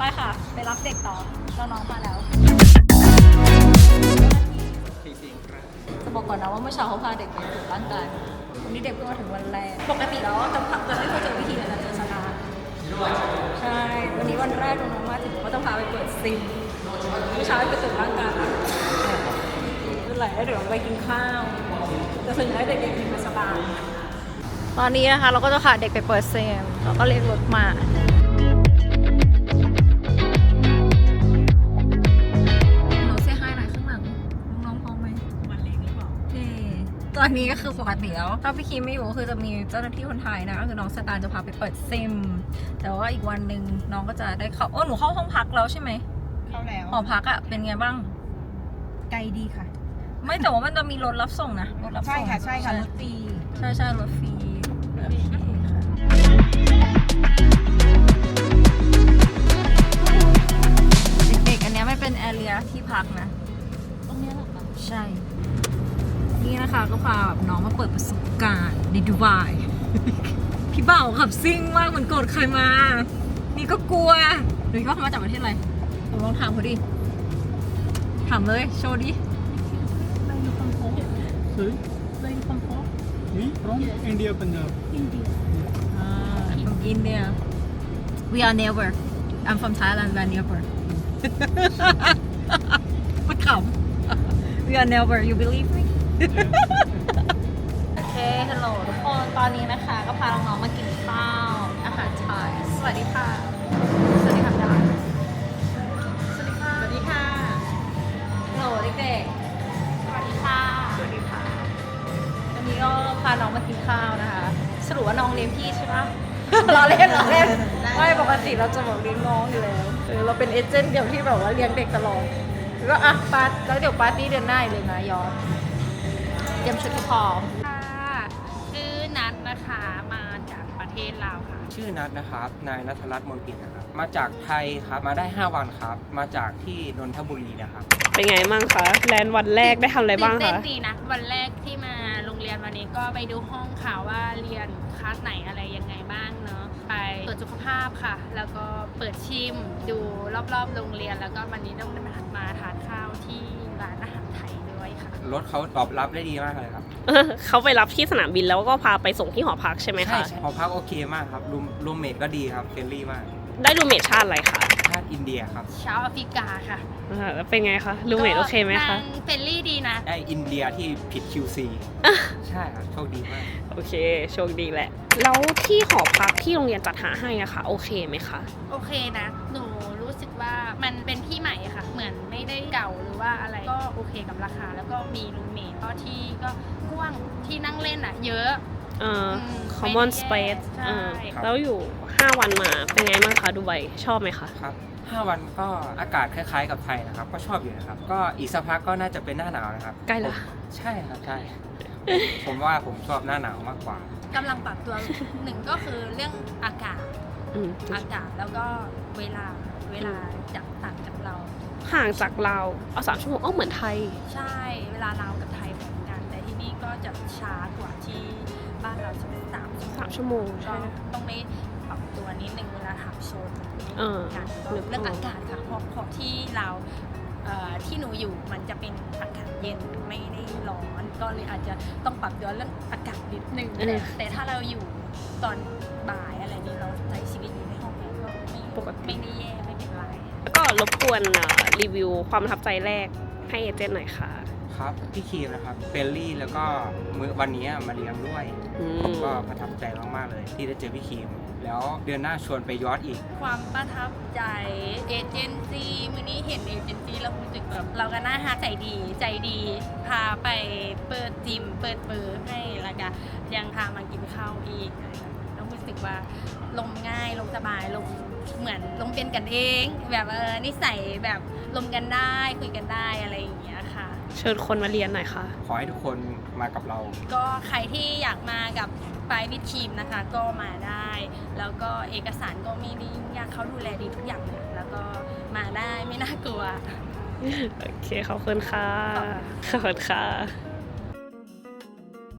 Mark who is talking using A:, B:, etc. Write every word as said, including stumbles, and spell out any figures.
A: ไปค่ะไปรับเด็กต่อน้องๆมาแล้วจะบอกก่อนนะว่าเมื่อเช้าเขาพาเด็กไปตรวจร่างกายวันนี้เด็กเพิ่งมาถึงวันแรกปกติแล้วจะพักจะไม่ค่อยเจอวิธีในการเจอสตาร์ใช่วันนี้วันแรกน้องๆมาถึงก็ต้องพาไปเปิดซิมเมื่อเช้าไปตรวจร่างกายเป็นไรแล้วเดี๋ยวเราไปกินข้าวจะส่วนใหญ่เด็กๆกินสตาร์ตอนนี้นะคะเราก็จะพาเด็กไปเปิดซิมแล้วก็เรียกรถมาตอนนี้ก็คือปกติแล้วถ้าพี่คิมไม่อยู่ก็คือจะมีเจ้าหน้าที่คนไทยนะก็คือน้องสตาร์จะพาไปเปิดซิมแต่ว่าอีกวันหนึ่งน้องก็จะได้เข้าโอ้หนูเข้าห้องพักแล้วใช่ไหม
B: เข้าแล้ว
A: หอพักอะเป็นไงบ้าง
B: ไกลดีค่ะ
A: ไม่แต่ว่ามันจะมีรถรับส่งนะรถรับส่ง
B: ใช่ค่ะใช่ค่ะรถฟรี
A: ใช่ใช่รถฟรีเด็กๆอันนี้ไม่เป็นแอเรียที่พักนะตรงนี้หรอคะใช่นี่นะคะก็พาแบบน้องมาเปิดประสบการณ์ในดูไบพี่เบ่าขับซิ่งมากเหมือนโกรธใครมานี่ก็กลัวหรือเขามาจากประเทศอะไรผมลองถามเขาดิถามเลยโชว์ดิ
C: Sorry? Where you come from? Me? From India, Punjab.
A: India. Ah, from India. We are neighbor. I'm from Thailand. We are neighbor. ไม่ขำ We are neighbor. You believe me? โอเค ฮัลโหลทุกคน ตอนนี้นะคะก็พาน้องๆมากินข้าวอาหารไทยสวัสดีค่ะ สวัสดีค่ะดาสวัสดีค่ะ
B: สวัสดีค่ะ
A: ฮัลโหลเด็กๆสวัสดีค่ะ สวัสดีค่ะวันนี้ก็พาน้องมากินข้าวนะคะสรุปว่าน้องเลี้ยงพี่ใช่ปะ เราเล่นเราเล่นไม่ปกติเราจะบอกเลี้ยงน้องอยู่แล้วเออเราเป็นเอเจนต์เดียวที่แบบว่าเลี้ยงเด็กตลอดแล้วก็อ่ะปาร์ตแล้วเดี๋ยวปาร์ตี้เดือนหน้าเลยนะยอดเตรียมชุดพร้อม
D: ค่ะชื่อนัทนะคะมาจากประเทศลาวค่ะ
E: ชื่อนัทนะครับนายณัฐรัตน์มนปินนะครับมาจากไทยครับมาได้ห้าวันครับมาจากที่นนทบุรีนะครับ
F: เป็นไงบ้างคะแลนด์วันแรกได้ทำอะไรบ้างคะ
D: ตื่นเต้นดีนะวันแรกที่มาโรงเรียนวันนี้ก็ไปดูห้องค่ะว่าเรียนคลาสไหนอะไรยังไงบ้างเนาะไปตรวจสุขภาพค่ะแล้วก็เปิดชิมดูรอบๆโรงเรียนแล้วก็วันนี้ต้องมาทานข้าวที่ร้านอาหารไทยด้วยค่ะ
E: รถเขาตอบรับได้ดีมากเลยครับ
F: เขาไปรับที่สนามบินแล้วก็พาไปส่งที่หอพักใช่ไหมคะ
E: ใช่หอพักโอเคมากครับรูมรูมเมทก็ดีครับเฟรนลี่มาก
F: ได้รูมเมทชาติอะไรคะ
E: ชาติอินเดียครับ
D: ชาวแอฟริกาค่ะ
F: แล้วเป็นไงคะรูมเมทโอเคไหมคะ
D: เฟรนลี่ดีนะ
E: ได้อินเดียที่ผิด คิว ซี ใช่ครับโชคดีมาก
F: โอเคโชคดีแหละแล้วที่หอพักที่โรงเรียนจัดหาให้อะค่ะโอเคไหมคะ
D: โอเคนะหนูรู้สึกว่ามันเป็นที่ใหม่ค่ะเหมือนไม่ได้เก่าหรือว่าอะไรก็โอเคกับราคาแล้วก็มีรูมเมทก็ที่ก็กว้างที่นั่งเล่นอะเยอะ
F: เอ่อ common space แล้วอยู่ห้าวันมาเป็นไงบ้างคะดูไบชอบไหมคะ
E: ครับห้าวันก็อากาศคล้ายๆกับไทยนะครับก็ชอบอยู่นะครับก็อีกสักพักก็น่าจะเป็นหน้าหนาวนะครับ
F: ใกล้ละ
E: ใช่ครับใช่ผมว่าผมชอบหน้าหนาวมากกว่
D: ากำลังปรับตัวหนึ่งก็คือเรื่องอากาศอากาศแล้วก็เวลาเวลาจากต่างจากเรา
F: ห่างจากเราเอาสามชั่วโมงอ๋อเหมือนไทย
D: ใช่เวลาเรากับไทยเหมือนกันแต่ที่นี่ก็จะช้ากว่าที่บ้านเราจะเป็นสาม
F: สามชั่วโมง
D: ก็ต้องไม่ปรับตัวนิดนึงเวลาขับโซนกันเรื่องอากาศค่ะเพราะเพราะที่เราที่หนูอยู่มันจะเป็นอากาศเย็นไม่ได้ร้อนก็เลยอาจจะต้องปรับตัวเรื่องอากาศนิดนึงแต่ถ้าเราอยู่ตอนบ่ายอะไรนี้เราใช้ชีวิตอยู่ในห้องแอร์ก็ไม่ปกติไม่ได้แย่ไม่เป็นไร
F: แล้วก็รบกวนรีวิวความประทับใจแรกให้เอเจนต์หน่อยค่ะ
E: ครับพี่คีมนะครับเฟรนลี่แล้วก็มื้อวันนี้มาเลี้ยงด้วยก็ประทับใจมากๆเลยที่ได้เจอพี่คีมแล้วเดือนหน้าชวนไปยอดอีก
D: ความประทับใจเอเจนซี่มื้อนี้เห็นเอเจนซี่แล้วรู้สึกแบบเราก็น่าฮักใจดีใจดีพาไปเปิดจิมเปิดเบอร์ให้แล้วก็ยังพามากินข้าวอีกแล้วรู้สึกว่าลงง่ายลงสบายลงเหมือนลงเป็นกันเองแบบเออนิสัยแบบลงกันได้คุยกันได้อะไรอย่างเงี้ยค่ะ
F: เชิญคนมาเรียนหน่อยค่ะ
E: ขอให้ทุกคนมากับเรา
D: ก็ใครที่อยากมากับไปวิดทีมนะคะก็มาได้แล้วก็เอกสารก็ไม่ได้ยุ่งยากเขาดูแลดีทุกอย่างเลยแล้วก็มาได้ไม่น่ากลัว
F: โอเคขอบคุณค่ะขอบคุณค่ะ